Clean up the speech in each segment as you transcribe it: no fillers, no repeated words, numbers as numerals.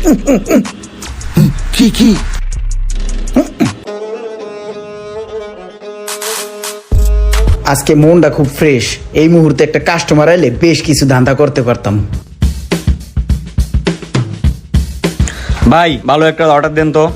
কি আজকে মনটা খুব ফ্রেশ। এই মুহূর্তে একটা কাস্টমার এলে বেশ কিছু ধান্দা করতে পারতাম। ভাই ভালো একটা অর্ডার দেন তো।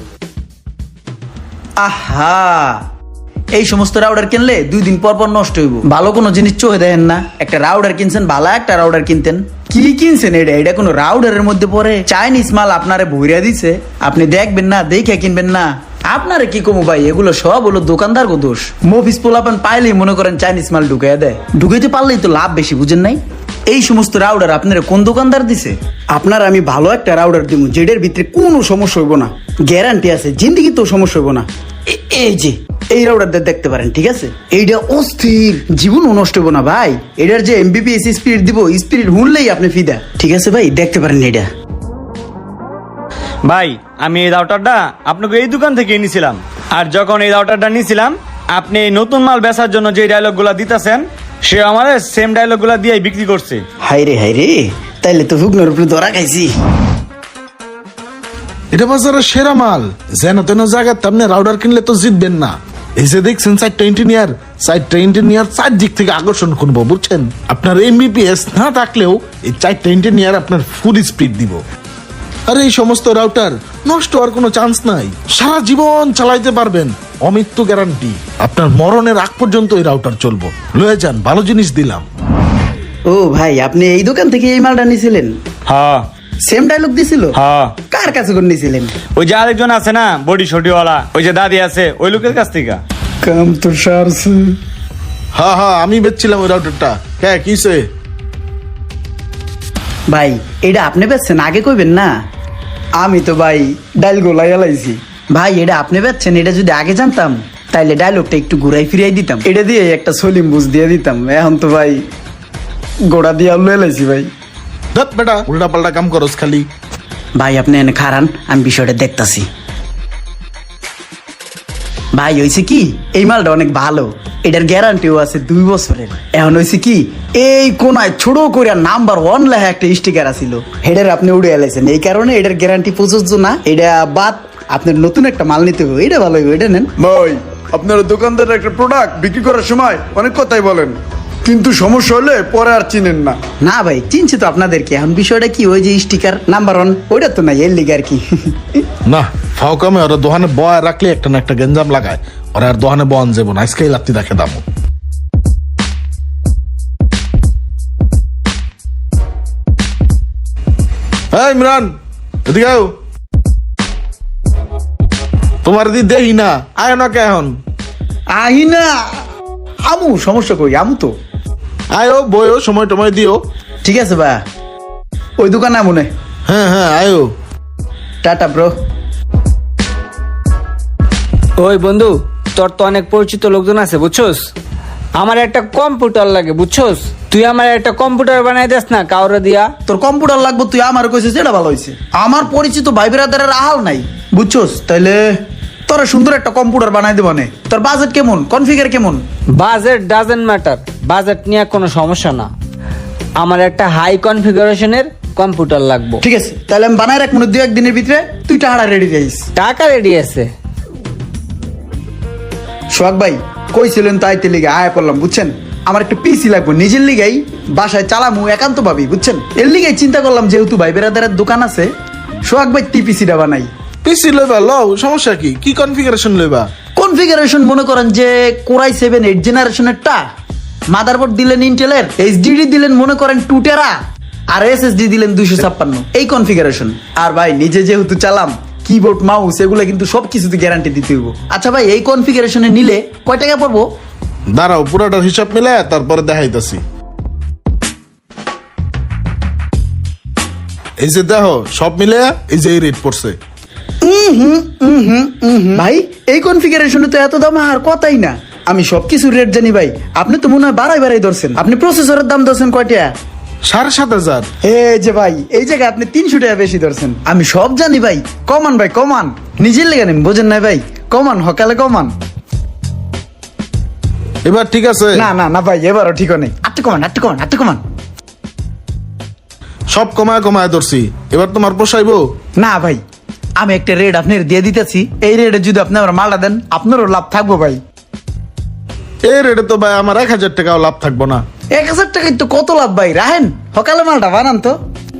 আহা, এই সমস্ত রাউডার কিনলে 2 দিন পর পর নষ্ট হইব। ভালো কোনো জিনিস চোখে দেখেন না? একটা রাউডার কিনছেন, ভালো একটা রাউডার কিনতেন। কি কিনছেন এটা? এটা কোনো রাউডারের মধ্যে পড়ে? চাইনিজ মাল আপনারে ভইরা দিছে, আপনি দেখবেন না, দেখে কিনবেন না। আপনারে কি কমু ভাই, এগুলো সব হলো দোকানদার গো দোষ। মফিস পোলাপান পাইলেই মনে করেন চাইনিজ মাল ঢুকাইয়া দেয়। ঢুকাইতে পারলেই তো লাভ বেশি, বুঝেন নাই? এই সমস্ত রাউডার আপনারা কোন দোকানদার দিছে? আপনার আমি ভালো একটা রাউডার দিব, যেটার ভিতরে কোনো সমস্যা হইব না, গ্যারান্টি আছে, জিন্দিগি তো সমস্যা হইব না। এই যে এই রাউডারটা দেখতে পারেন, ঠিক আছে? এইটা অস্থির, জীবন নষ্ট হইব না ভাই। এটার যে এমবিপিএস স্পিরিট দিব, স্পিরিট হুনলেই আপনি ফিদা। ঠিক আছে ভাই, দেখতে পারেন এটা। ভাই আমি এই রাউটারটা আপনাকে এই দোকান থেকে নিয়েছিলাম, আর যখন এই রাউটারটা নিয়েছিলাম আপনি এই নতুন মাল বেচার জন্য যে ডায়লগগুলা দিতেছেন সে আমার সেম ডায়লগগুলা দিয়ে বিক্রি করছে। হাই রে, তাইলে তো হুকনোর উপরে ধরা খাইছি। এটা বাজারের সেরা মাল, যেন তেন জায়গায় তেমনি রাউডার কিনলে তো জিতবেন না। এই যে দেখছেন 4টা ইঞ্জিনিয়ার 4 দিক থেকে আকর্ষণ করবো, বুঝছেন? আপনার এমবিপিএস না থাকলেও এই 4টা ইঞ্জিনিয়ার আপনার ফুল স্পিড দিব। আর এই সমস্ত রাউটার নষ্ট হওয়ার কোনো চান্স নাই, সারা জীবন চালাইতে পারবেন, অমৃত্যু গ্যারান্টি। আপনার মরণের আগ পর্যন্ত এই রাউটার চলবো। লয়ে যান, ভালো জিনিস দিলাম। ও ভাই, আপনি এই দোকান থেকে এই মালটা নিয়েছিলেন? হ্যাঁ। সেম ডায়লগ দিছিল? হ্যাঁ। কার কাছে করে নিয়েছিলেন? ওই যে আরেকজন আছে না বডি শটিওয়ালা, ওই যে দাদি আছে, ওই লোকের কাছ থেকে। কাম তো সারছে। হ্যাঁ আমি বেচছিলাম ওই রাউটারটা। হ্যাঁ কিসে? ভাই এটা আপনি বেচছেন, আগে কইবেন না? আমি তো ভাই ডাইল গোলাই লাইছি। ভাই এটা আপনি বেচছেন, এটা যদি আগে জানতাম তাইলে ডায়লগটা একটু ঘুরাই ফিরাই দিতাম, এটা দিয়ে একটা সলিম বুঝ দিয়ে দিতাম। এখন তো ভাই গোড়া দিয়ে লয়ে লাইছি ভাই। ধত বেটা, উল্টা পাল্টা কাম করস খালি। ভাই আপনি এনে খারান, আমি বিষয়টা দেখতাছি। ভাই হয়েছে কি, এই মালটা অনেক ভালো, এটার গ্যারান্টিও আছে 2 বছরের। এখন হয়েছে কি, এই কোনায় ছোট করে নাম্বার 1 লেখা একটা স্টিকার আছিল, হেডের আপনি উড়ে এলাইছেন, এই কারণে এটার গ্যারান্টি প্রযোজ্য না। এটা বাদ, আপনার নতুন একটা মাল নিতে হবে, এটা ভালো হবে, এটা নেন। ভাই আপনার দোকানদারের একটা প্রোডাক্ট বিক্রি করার সময় অনেক কথাই বলেন, কিন্তু সমস্যা হলে পরে আর চিনেন না। না ভাই, চিনছি তো আপনাদেরকে। এখন বিষয়টা কি, ওই যে স্টিকার নাম্বার 1 ওইটা তো নাই, এর লিগে আর কি। না ফাও কামে ওরা দোকানে বয় রাখলে একটা না একটা গেঞ্জাম লাগায়, ওরা আর দোকানে বন যাবো না, আজকেই লাত্তি দেখে দাম। ইমরান এদিকে আও। তোমার দি দেই না, আয় না কে এখন? আহি না, আমু সমস্যা কই, আমু তো। আয়ো বয়ো, সময় টময় দিও। ঠিক আছে ভাই, ওই দোকানে মনে। হ্যাঁ আয়ো। Tata bro. ওই বন্ধু, তোর তো অনেক পরিচিত লোকজন আছে বুঝছোস, আমার একটা কম্পিউটার লাগে বুঝছোস, তুই আমার একটা কম্পিউটার বানাই দেস না কাউরে দিয়া। তোর কম্পিউটার লাগবে, তুই আমার কইছিস, এটা ভালো হয়েছে। আমার পরিচিত ভাই বেরাদারের আহাল নাই বুঝছোস, তাইলে তোরা সুন্দর একটা কম্পিউটার বানাই দেব নে। তোর বাজেট কেমন, কনফিগার কেমন? বাজেট ডাজেন্ট ম্যাটার, বাজেট নিয়ে কোনো সমস্যা না, আমার একটা হাই কনফিগারেশনের কম্পিউটার লাগবে। ঠিক আছে, তাহলে আমি বানাই রাখ, মনে 2-1 দিনের ভিতরে তুই টাকা রেডি যাইস। টাকা রেডি আছে। সোহাগ ভাই কইছিলেন তাইতে লিগে আয় পড়লাম, বুঝছেন? আমার একটা পিসি লাগবে, নিজের লিগাই বাসায় চালামু একান্ত ভাবি, বুঝছেন? এর লিগাই চিন্তা করলাম, যেহেতু ভাই বেরাদারের দোকান আছে, সোহাগ ভাই পিসিটা বানাই। পিসি লইবা লও, সমস্যা কি? কি কনফিগারেশন লইবা? কনফিগারেশন মনে করেন যে কোরাই 7 8 জেনারেশনের টা, মাদারবোর্ড দিলেন ইন্টেলের, এইচডিডি দিলেন মনে করেন 2 টেরা, আর এসএসডি দিলেন 256, এই কনফিগারেশন। আর ভাই নিজে যেহেতু চালাম, কিবোর্ড মাউস এগুলো কিন্তু সবকিছুতে গ্যারান্টি দিতে হইব। আচ্ছা ভাই, এই কনফিগারেশনে নিলে কয় টাকা পড়বো? দাঁড়াও পুরাটার হিসাব মিলে তারপরে দেখাইতাছি। এই যে দেখো সব মিলে এই যে এই রেট পড়ছে। ভাই এই কনফিগারেশনে তো এত দাম আর কথাই না। আমি সবকিছুর রেট জানি ভাই, আপনি তো মনে হয় বাড়াই ধরছেন। আপনি প্রসেসরের দাম ধরছেন কয়টা? 7,500। এই যে ভাই, এই জায়গায় আপনি 300 টাকা বেশি ধরছেন। আমি সব জানি ভাই, কমান ভাই কমান, নিজের লেগে নেন, বোঝেন না ভাই? কমান, হকালে কমান। এবার ঠিক আছে? না ভাই, এবারও ঠিক নেই, আটটু কমান। সব কমায় কমায় ধরছি, এবার তোমার পোষাইবো? না ভাই, আমি একটা রেট আপনার দিয়ে দিতেছি, এই রেটে যদি আপনি আমার মালটা দেন আপনারও লাভ থাকবো ভাই। এই রেটে তো ভাই আমার 1,000 টাকাও লাভ থাকবো না। 1,000 টাকায় তো কত লাভ ভাই, রাহেন সকালে মালটা বানান তো।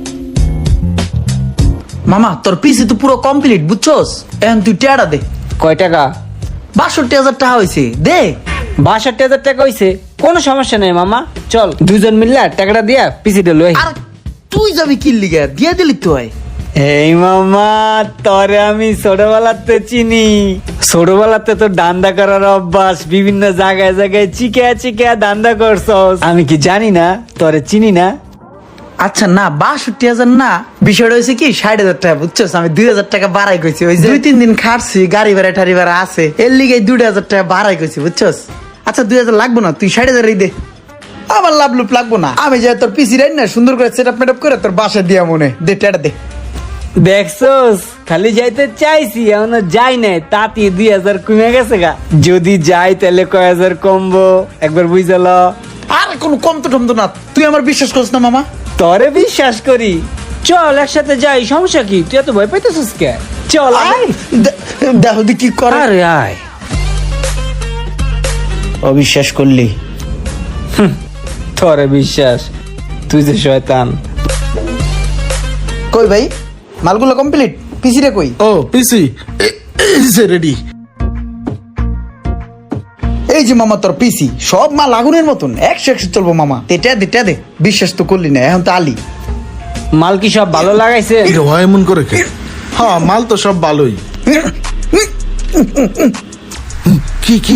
মামা তোর পিসি তো পুরো কমপ্লিট বুঝছস, এখন তুই টেয়ারা দে। কয় টাকা? 62,000 টাকা হয়েছে, দে। 62,000 টাকা হইছে, কোনো সমস্যা নেই মামা, চল দুজন মিললে টাকাটা দিয়া পিসিটা লই। আর তুই যাবি কি লিগে, দিয়ে দিলি তো হয়। এই মামা, তরে আমি ছোটবেলাতে চিনি, ছোটবেলাতে তো দান্দা করার অভ্যাস, বিভিন্ন জায়গায় জায়গায় চিকে চিকে দান্দা করছস, আমি কি জানি না তরে চিনি না? আচ্ছা না 62,000 না, বিষয়টা হয়েছে কি 60,000 টাকা বুঝছস, আমি 2,000 টাকা বাড়াই কইছি, ওই যে 2-3 দিন খাটছি, গাড়ি ভাড়া টাড়ি ভাড়া আছে, এর লিগে 2,000 টাকা বাড়াই কইছি বুঝছস। আচ্ছা 2,000 লাগবো না, তুই 60,000 দে, আমার লাভ লুপ লাগবো না, আমি যাই তোর পিসি রাই না সুন্দর করে সেট আপ মেট করে তোর বাসায় দিয়া মনে দে, টেটা দে। দেখছস, খালি যাইতে চাইছি এখনো যাই নাই, তাতে 2,000 কমে গেছে গা, যদি যাই তাহলে কয় হাজার কমবো একবার বুঝাল। আর কোনো কম তো টম তো না, তুই আমার বিশ্বাস করিস না মামা? তরে বিশ্বাস করি, চল একসাথে যাই, সমস্যা কি? তুই এত ভয় পাইতেছিস কে? চল আয়, দেখো দি কি করে। আরে আয়, অবিশ্বাস করলি? তরে বিশ্বাস, তুই যে শয়তান। কই ভাই মালগুলো কমপ্লিট, পিসি রে কই? ও পিসি রেডি। এই যে মামা তোর পিসি, সব মাল আগুনের মতন 100 চলবো মামা, তেটা দে টা দে, বিশ্বাস তো করলি না, এখন তো আলি। মাল কি সব ভালো লাগাইছে? হয় এমন করে কে? হ্যাঁ মাল তো সব ভালোই। কি কি?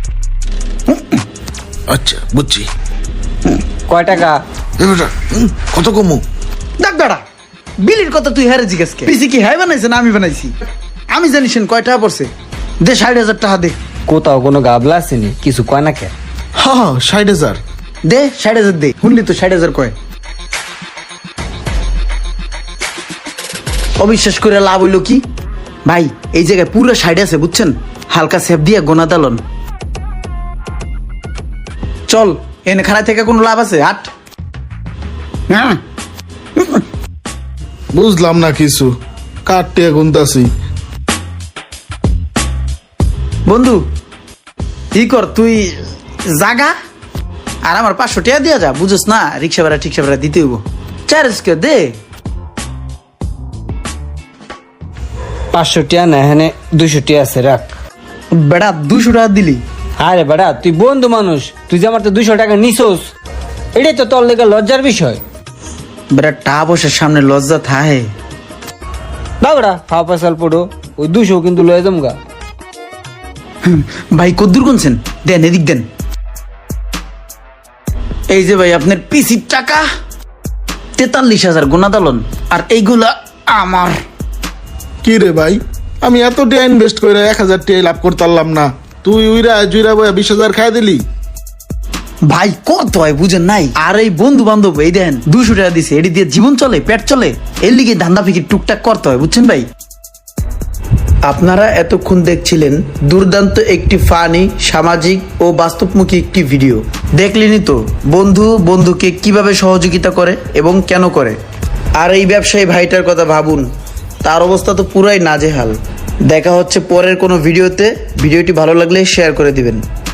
আচ্ছা বুঝছি। কয় টাকা? এবার কত কমু? দেখ দাঁড়া, বিলির কথা তুই হারে জিজ্ঞেস কে? পিসি কি হাই বানাইছে না আমি বানাইছি? আমি জানিস কয় টাকা পড়ছে, দে 60,000 টাকা দে। কোথাও কোনো গাবলা আসেনি, কিছু কয় না কে? হ্যাঁ 60,000 দে 60,000 দে, শুনলি তো 60,000 কয়। অবিশ্বাস করে লাভ হইলো কি ভাই, এই জায়গায় পুরো 60 আছে বুঝছেন, হালকা সেফ দিয়ে গোনা দালন। চল এনে খানা থেকে কোনো লাভ আছে? হাট। হ্যাঁ বুঝলাম না কিছু, কাটতে গুনতাছি। বন্ধু ই কর, তুই জাগা আর আমার 500 টাকা দিয়া যা, বুঝছ না, রিক্সা ভাড়া টিক্সা ভাড়া দিতে হইব, চার্জ কে দে। 500 টাকা না, এখানে 200 টাকা আছে, রাখ। বেড়া 200 টাকা দিলি? আরে বেটা, তুই বন্ধু মানুষ, তুই যে আমার তো 200 টাকা নিছোস, এটাই তো তোর লেগে লজ্জার বিষয়। বেড়া টা বসে সামনে লজ্জা থাহে। বাবরা হাওয়া পাশাল পড়ো, ওই 200 কিন্তু লয়ে যামগা। ভাই কদ্দুর কোনছেন, দেন এদিক দেন। এই যে ভাই আপনার পিসির টাকা 43,000 গোনা দালন, আর এইগুলা আমার। কি রে ভাই, আমি এত টাকা ইনভেস্ট করে 1,000 টাকা লাভ করতে পারলাম না, তুই উইরা জুইরা বয়া 20,000 খাই দিলি। ভাই কত হয় বুঝেন নাই, আর এই বন্ধু বান্ধব এই দেন 200 টাকা দিছে, এটি দিয়ে জীবন চলে, পেট চলে, এর লিগে ধান্দা ফিকির টুকটাক করতে হয় বুঝছেন ভাই। আপনারা এতক্ষণ দেখছিলেন দুর্দান্ত একটি ফানি, সামাজিক ও বাস্তবমুখী একটি ভিডিও। দেখলেনই তো বন্ধু বন্ধুকে কিভাবে সহযোগিতা করে এবং কেন করে। আর এই ব্যবসায়ী ভাইটার কথা ভাবুন, তার অবস্থা তো পুরাই নাজেহাল। দেখা হচ্ছে পরের কোনো ভিডিওতে, ভিডিওটি ভালো লাগলে শেয়ার করে দিবেন।